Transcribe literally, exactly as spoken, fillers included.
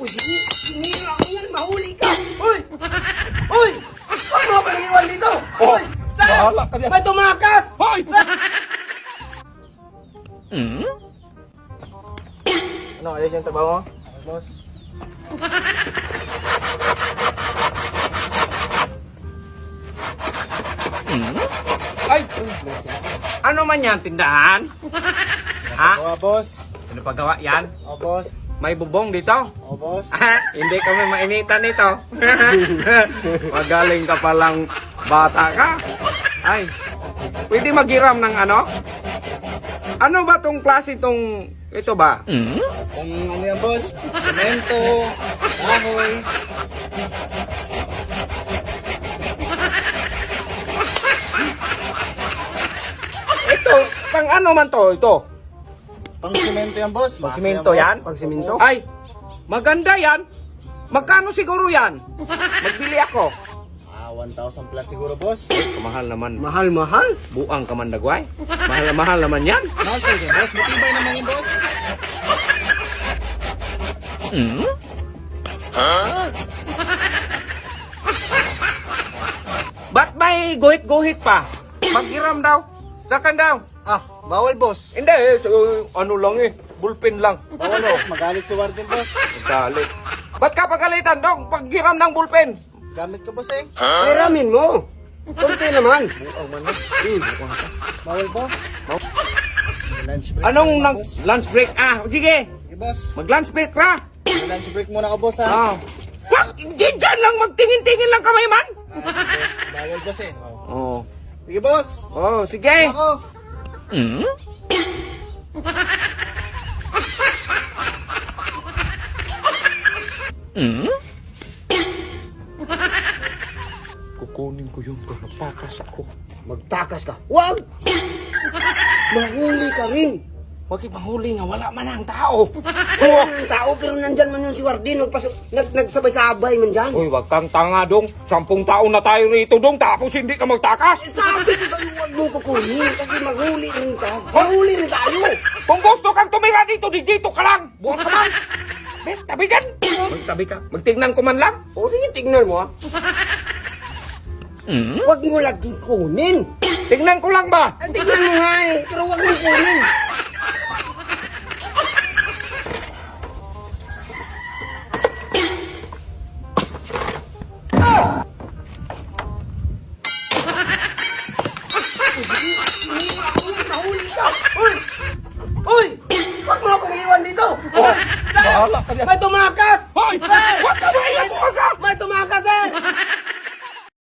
O sige, sinira ko yan, mahuli ka. Uy! Uy! Huwag mo akong iwan dito! Uy! Saan? Bahala ka dyan. Ba't tumakas? Hoy! Hmm? Ano, ayos yung trabaho mo? Boss. Hmm? Ay! Ano man yan, tindahan? Ha? Oo, boss. Ano pagawa yan? Oo, boss. May bubong dito? Oo, boss. Ah, hindi kami mainitan nito. Magaling ka palang bata ka. Ay, pwede maghiram ng ano? Ano ba tong klase tong ito ba? Kung ano yan, boss? Semento, kahoy. Ito, pang ano man to? Ito. Pang semento yan, boss. Pang simento yan? Pang semento? Ay, maganda yan. Magkano siguro yan? Magbili ako. Ah, one thousand plus siguro, boss. Mahal naman. Mahal, mahal. Buang ka man dagway. Mahal na mahal naman yan. Mahal po yan, boss. Matibay naman yan, boss. Hmm? Ba't may guhit-guhit pa? Maghiram daw. Sakan daw. Ah, bawal, boss. Hindi eh, so, ano lang eh. Bullpen lang. Bawal, boss. Magalit si Warden, boss. Galit. Ba't ka pagalitan dong? Paghiram ng bullpen. Gamit ka, boss, eh. Peramin mo. Kunti naman. Buang man na. Bawal, boss. Lunch break. Anong muna, nang boss. lunch break? Ah, sige. Sige, boss. Mag-lunch break ka. May lunch break muna ka, boss, ha? Ah. What? Hindi dyan lang. Magtingin-tingin lang kamay man. Ah, boss. Bawal, boss, eh. Oh. Oh. Sige, boss. Oh, sige. Ako. Hmm? Hmm? Kukunin ko yung magtakas ako. Magtakas ka. Wag! Mahuli ka rin. Huwag mahuli nga, wala man ang tao. Oo, ang tao, pero nandyan man yung si Wardin. Nagpaso, nag, nagsabay-sabay man dyan. Uy, wag kang tanga dong. Sampung taon na tayo rito dong, tapos hindi ka magtakas. Eh, sabi ko sa'yo, wag mo kukunin. Kasi mahuli rin ka. Mahuli rin tayo. Kung gusto kang tumira dito, di dito ka lang. Buwan ka man. Eh, tabi ka. Magtabi ka. Magtignan ko man lang. O sige, tignan mo, ha. Hmm? Wag mo lagi kunin. Tignan ko lang ba? Ah, tignan mo nga eh. Pero wag mo kunin. Mahuli ka. Uy! Uy! Huwag mo akong iwan dito. Uy! Saan? Bahala ka dyan. Ba't tumakas? Hoy! Huwag ka